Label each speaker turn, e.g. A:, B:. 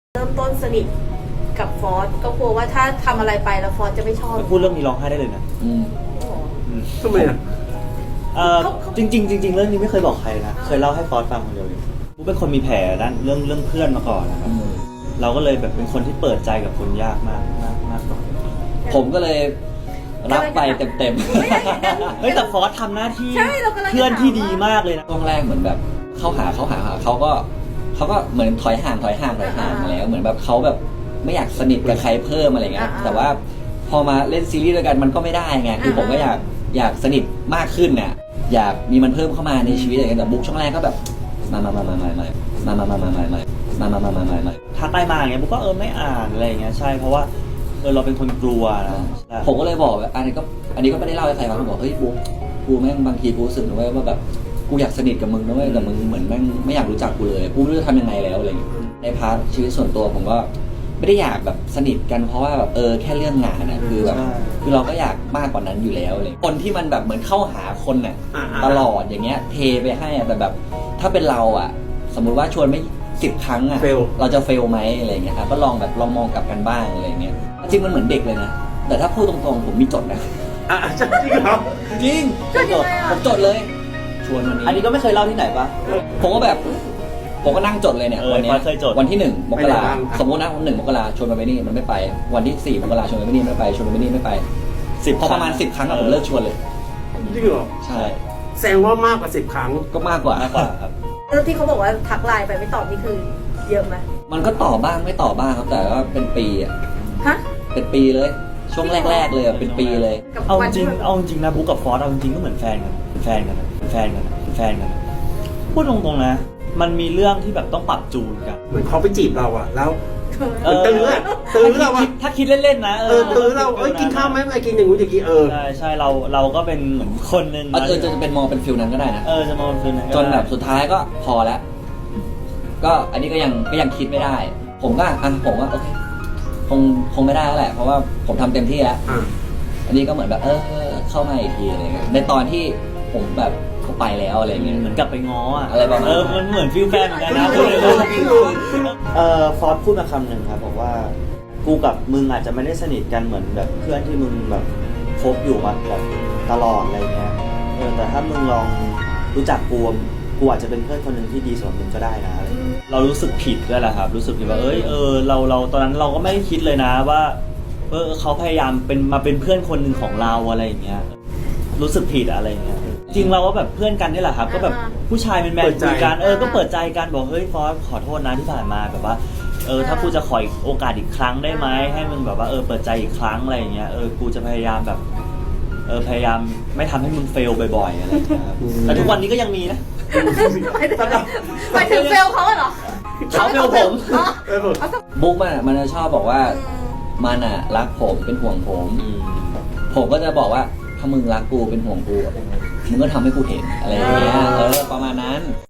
A: เริ่มต้นสนิทกับฟอสก็กลัวว่าถ้าทำอะไรไปแล้วฟอสจะไม่ชอบ
B: พูดเรื่องนี้ร้องไห้ได้เลยนะ
C: ทำไมอ่ะ
B: จริงๆเรื่องนี้ไม่เคยบอกใครนะเคยเล่าให้ฟอสฟังคนเดียวเลยกูเป็นคนมีแผลด้านเรื่องเพื่อนมาก่อนนะครับเราก็เลยแบบเป็นคนที่เปิดใจกับคนยากมากก่อน
D: ผมก็เลยรับไปเต็ม
B: เฮ้ยแต่ฟอสทำหน้าที่
A: ใช่เรากำลังจะ
B: เพื่อนที่ดีมากเลยนะ
D: ช่วงแรกเหมือนแบบเขาหาเขาก็เหมือนถอยห่างมาแล้วเหมือนแบบเขาแบบไม่อยากสนิทกับใครเพิ่มอะไรเงี้ยแต่ว่าพอมาเล่นซีรีส์ด้วยกันมันก็ไม่ได้ไงคือผมก็อยากสนิทมากขึ้นน่ะอยากมีมันเพิ่มเข้ามาในชีวิตอะไรเงี้ยแต่บุ๊กช่วงแรกก็แบบมา
B: ทักไลน์มาอย่างเงี้ยบุ๊กก็ไม่อ่านอะไรอย่างเงี้ยใช่เพราะว่าเราเป็นคนกลัวนะ
D: ผมก็เลยบอกแบบอันนี้ก็ไม่ได้เล่าให้ใครฟังผมบอกเฮ้ยบุ๊กกูแม่งบางทีกูรู้สึกนะเว้ยว่าแบบกูอยากสนิทกับมึงนะเว้ยแต่มึงเหมือนแม่งไม่อยากรู้จักกูเลยกูไม่รู้จะทำยังไงแล้วอะไรอย่างเงี้ยในพาร์ทชีวิตส่วนตัวผมก็ไม่ได้อยากแบบสนิทกันเพราะว่าแบบแค่เรื่องงานนะคือแบบคือเราก็อยากมากกว่านั้นอยู่แล้วเลยคนที่มันแบบเหมือนเข้าหาคนน่ะตลอดอย่างเงี้ยเทไปให้อะแต่แบบถ้าเป็นเราอ่ะสมมุติว่าชวนไม่10 ครั้งอ่ะเราจะเฟลไหมอะไรอย่างเงี้ยก็ลองมองกลับกันบ้างอะไรอย่างเงี้ยจริงมันเหมือนเด็กเลยนะแต่ถ้าพูดตรงๆผมมีจดนะ
C: จริงเหรอ
D: จริงผมจดเลยชวนวันนี้
B: อันนี้ก็ไม่เคยเล่าที่ไหนปะ
D: ผมก็นั่งจดเลยเนี่ยวันนี้
B: เคยจด
D: วันที่1 มกราสมมตินะ1 มกราชวนมันไปนี่มันไม่ไปวันที่4 มกราชวนมันไปนี่ไม่ไปชวนมันไปนี่ไม่ไปพอประมาณ10 ครั้งผมเลิกชวนเลย
C: จริงเหรอ
D: ใช่
C: แสดงว่ามากกว่า10 ครั้ง
D: ก็มากกว่า
B: ครับ
A: เรื่องที่เขาบอกว่าทักไลน์ไปไม่ตอบนี่คือเยอะไหม
D: มันก็ต่อบ้างไม่ต่อบ้างครับแต่ว่าเป็นปีอ่ะ
A: ฮะ
D: เป็นปีเลย ช่วงแรกๆเลยเป็นปีเลย
A: กับ
B: เอา
A: วั
B: จ
A: น
B: ริ
A: ที่
B: ง
A: มัน
B: เอาจริงนะบุ๊กกับฟอสเอาจริงก็เหมือนแฟนกันพูดตรงๆนะมันมีเรื่องที่แบบต้องปรับจูนกัน
C: เหมือนเขาไปจีบเราอ่ะแล้วตื้อเราอ่ะ
B: ถ้าคิดเล่นๆนะ
C: ตื้อเรากินข้าวไหมไม่กินอย่างงู้นอย่างนี้
B: ใช่เราก็เป็นเหมือนคนนึง
D: จะเป็นมองเป็นฟิลนั้นก็ได้นะ
B: จะมองเป็น
D: จนแบบสุดท้ายก็พอแล้วก็อันนี้ก็ยังคิดไม่ได้ ผมก็โอเคคงไม่ได้แล้วแหละเพราะว่าผมทำเต็มที่แล้วอันนี้ก็เหมือนแบบเข้ามาอีกทีอะไรเงี้ยในตอนที่ผมแบบเขาไปแล้วอะไรเงี้ย
B: เหมือนกลับไปง้อ
D: อะไรประมาณนั้น
B: มันเหมือนฟิลแฟนเหมือนกันนะฟอสพูดมาคำหนึ่งครับบอกว่ากูกับมึงอาจจะไม่ได้สนิทกันเหมือนแบบเพื่อนที่มึงแบบคบอยู่มาแบบตลอดอะไรเงี้ยแต่ถ้ามึงลองรู้จักกูอาจจะเป็นเพื่อนคนหนึ่งที่ดีสำหรับมึงก็ได้นะอะไรเรารู้สึกผิดด้วยแหละครับรู้สึกผิดว่าเราตอนนั้นเราก็ไม่ได้คิดเลยนะว่าเขาพยายามมาเป็นเพื่อนคนหนึ่งของเราอะไรอย่างเงี้ยรู้สึกผิดอะไรอย่างเงี้ยจริงเราก็แบบเพื่อนกันนี่แหละครับก็แบบผู้ชายเป็นแมนคุยกันก็เปิดใจกันบอกเฮ้ยฟอสขอโทษนะที่ผ่านมาแบบว่าถ้ากูจะขอโอกาสอีกครั้งได้ไหมให้มึงแบบว่าเปิดใจอีกครั้งอะไรอย่างเงี้ยกูจะพยายามแบบพยายามไม่ทำให้มึงเฟลบ่อยๆอะไรอย่างเงี้ยครับแต่ทุกวันนี้ก็ยังมีนะ
A: หมายถึงเฟลเขาเหรอ
B: เขาเฟลผม
D: บุ๊กมันจะชอบบอกว่ามันอ่ะรักผมเป็นห่วงผมก็จะบอกว่าถ้ามึงรักกูเป็นห่วงกูมึงก็ทำให้กูเห็นอะไรอย่างเงี้ยประมาณนั้น